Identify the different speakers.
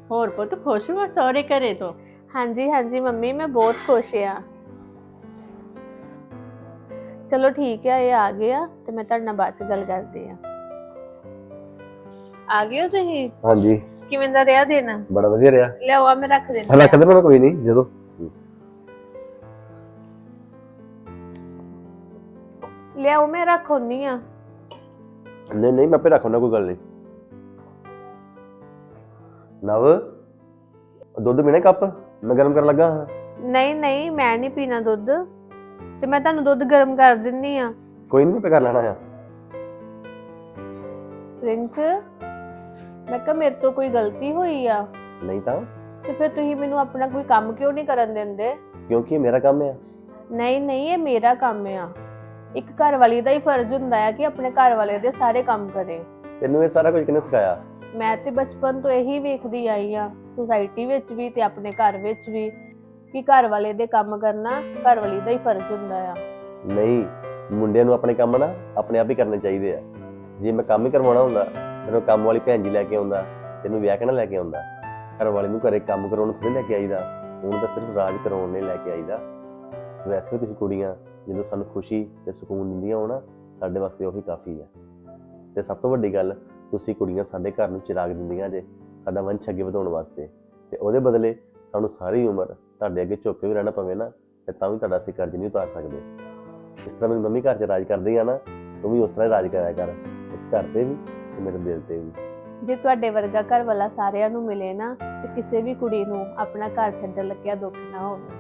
Speaker 1: ਹੋਰ ਪੁੱਤ ਖੁਸ਼ ਹੋ ਸਹੁਰੇ ਘਰੇ ਤੋਂ?
Speaker 2: ਹਾਂਜੀ ਹਾਂਜੀ ਮੰਮੀ, ਮੈਂ ਬਹੁਤ ਖੁਸ਼ ਆ। ਚਲੋ ਠੀਕ ਆ, ਇਹ ਆ ਗਏ ਆ ਤੇ ਮੈਂ ਤੁਹਾਡੇ ਨਾਲ ਬਾਅਦ ਚ ਗੱਲ ਕਰਦੀ ਆ। ਆ ਗਏ ਹੋ ਤੁਸੀਂ?
Speaker 3: ਹਾਂਜੀ,
Speaker 2: ਕਿਵੇਂ ਦਾ ਰਿਹਾ ਦਿਨ?
Speaker 3: ਬੜਾ ਵਧੀਆ ਰਿਹਾ।
Speaker 2: ਲਿਆਓ, ਆ ਮੈਂ ਰੱਖ ਦਿੰਦੀ
Speaker 3: ਰੱਖ ਦੇਣਾ, ਮੈਂ ਕੋਈ ਨਹੀਂ ਜਦੋਂ।
Speaker 2: ਲਿਆਓ, ਮੈਂ ਰੱਖਉਣੀ ਆ।
Speaker 3: ਨਹੀਂ ਨਹੀਂ, ਮੈਂ ਆਪੇ ਰੱਖਣਾ, ਕੋਈ ਗੱਲ ਨਹੀਂ। ਨਵ, ਦੁੱਧ ਪੀਣਾ ਕੱਪ? ਮੈਂ ਗਰਮ ਕਰਨ ਲੱਗਾ ਹਾਂ।
Speaker 2: ਨਹੀਂ ਨਹੀਂ, ਮੈਂ ਨਹੀਂ ਪੀਣਾ ਦੁੱਧ, ਤੇ ਮੈਂ ਤੁਹਾਨੂੰ ਦੁੱਧ ਗਰਮ ਕਰ ਦਿੰਨੀ ਆ।
Speaker 3: ਕੋਈ ਨਹੀਂ, ਮੈਂ ਆਪੇ ਕਰ ਲੈਣਾ ਆ।
Speaker 2: ਪ੍ਰਿੰਸ, ਮੈਂ ਕਿਹਾ ਮੇਰੇ ਤੋਂ ਕੋਈ ਗਲਤੀ ਹੋਈ ਆ
Speaker 3: ਨਹੀਂ ਤਾਂ
Speaker 2: ਤੇ ਫਿਰ ਤੁਸੀਂ ਮੈਨੂੰ ਆਪਣਾ ਕੋਈ ਕੰਮ ਕਿਉਂ ਨਹੀਂ ਕਰਨ ਦਿੰਦੇ?
Speaker 3: ਕਿਉਂਕਿ ਇਹ ਮੇਰਾ ਕੰਮ ਆ।
Speaker 2: ਨਹੀਂ ਨਹੀਂ, ਇਹ ਮੇਰਾ ਕੰਮ ਆ। ਇੱਕ ਘਰ ਵਾਲੀ ਦਾ ਹੀ ਫਰਜ਼ ਹੁੰਦਾ ਹੈ ਕਿ ਆਪਣੇ ਘਰ ਵਾਲੇ ਦੇ ਸਾਰੇ ਕੰਮ ਕਰੇ।
Speaker 3: ਤੈਨੂੰ ਇਹ ਸਾਰਾ ਕੁਝ ਕਿਹਨੇ ਸਿਖਾਇਆ?
Speaker 2: ਮੈਂ ਤੇ ਬਚਪਨ ਤੋਂ ਇਹੀ ਵੇਖਦੀ ਆਈ ਆ, ਸੁਸਾਇਟੀ ਵਿੱਚ ਵੀ ਤੇ ਆਪਣੇ ਘਰ ਵਿੱਚ ਵੀ, ਕਿ ਘਰ ਵਾਲੇ ਦੇ ਕੰਮ ਕਰਨਾ ਘਰ ਵਾਲੀ ਦਾ ਹੀ ਫਰਜ਼ ਹੁੰਦਾ ਆ।
Speaker 3: ਨਹੀਂ, ਮੁੰਡਿਆਂ ਨੂੰ ਆਪਣੇ ਕੰਮ ਨਾ ਆਪਣੇ ਆਪ ਹੀ ਕਰਨੇ ਚਾਹੀਦੇ ਆ। ਜੇ ਮੈਂ ਕੰਮ ਹੀ ਕਰਵਾਉਣਾ ਹੁੰਦਾ, ਮੈਨੂੰ ਕੰਮ ਵਾਲੀ ਭੈਣ ਜੀ ਲੈ ਕੇ ਆਉਂਦਾ, ਤੈਨੂੰ ਵਿਆਹ ਕੇ ਨਾ ਲੈ ਕੇ ਆਉਂਦਾ। ਘਰ ਵਾਲੇ ਨੂੰ ਘਰੇ ਕੰਮ ਕਰਾਉਣ ਥੋੜੀ ਲੈ ਕੇ ਆਈਦਾ, ਹੁਣ ਤਾਂ ਸਿਰਫ ਰਾਜ ਕਰਾਉਣ ਲਈ ਲੈ ਕੇ ਆਈਦਾ। ਵੈਸੇ ਵੀ ਤੁਸੀਂ ਕੁੜੀਆਂ ਜਦੋਂ ਸਾਨੂੰ ਖੁਸ਼ੀ ਤੇ ਸਕੂਨ ਦਿੰਦੀਆਂ ਹੋ ਨਾ, ਸਾਡੇ ਵਾਸਤੇ ਉਹੀ ਕਾਫੀ ਹੈ। ਤੇ ਸਭ ਤੋਂ ਵੱਡੀ ਗੱਲ, ਤੁਸੀਂ ਕੁੜੀਆਂ ਸਾਡੇ ਘਰ ਨੂੰ ਚਿਰਾਗ ਦਿੰਦੀਆਂ ਜੇ, ਸਾਡਾ ਵੰਸ਼ ਅੱਗੇ ਵਧਾਉਣ ਵਾਸਤੇ। ਤੇ ਉਹਦੇ ਬਦਲੇ ਸਾਨੂੰ ਸਾਰੀ ਉਮਰ ਤੁਹਾਡੇ ਅੱਗੇ ਝੁੱਕ ਕੇ ਵੀ ਰਹਿਣਾ ਪਵੇ ਨਾ, ਤੇ ਤਾਂ ਵੀ ਤੁਹਾਡਾ ਅਸੀਂ ਕਰਜ਼ ਨਹੀਂ ਉਤਾਰ ਸਕਦੇ। ਇਸ ਤਰ੍ਹਾਂ ਮੇਰੀ ਮੰਮੀ ਘਰ 'ਚ ਰਾਜ ਕਰਦੀ ਆ ਨਾ, ਤੂੰ ਵੀ ਉਸ ਤਰ੍ਹਾਂ ਹੀ ਰਾਜ ਕਰਿਆ ਕਰ, ਇਸ ਘਰ ਤੇ ਵੀ ਤੇ ਮੇਰੇ ਦਿਲ ਤੇ ਵੀ।
Speaker 2: ਜੇ ਤੁਹਾਡੇ ਵਰਗਾ ਘਰ ਵਾਲਾ ਸਾਰਿਆਂ ਨੂੰ ਮਿਲੇ ਨਾ, ਤੇ ਕਿਸੇ ਵੀ ਕੁੜੀ ਨੂੰ ਆਪਣਾ ਘਰ ਛੱਡਣ ਲੱਗਿਆ ਦੁੱਖ ਨਾ ਹੋਵੇ।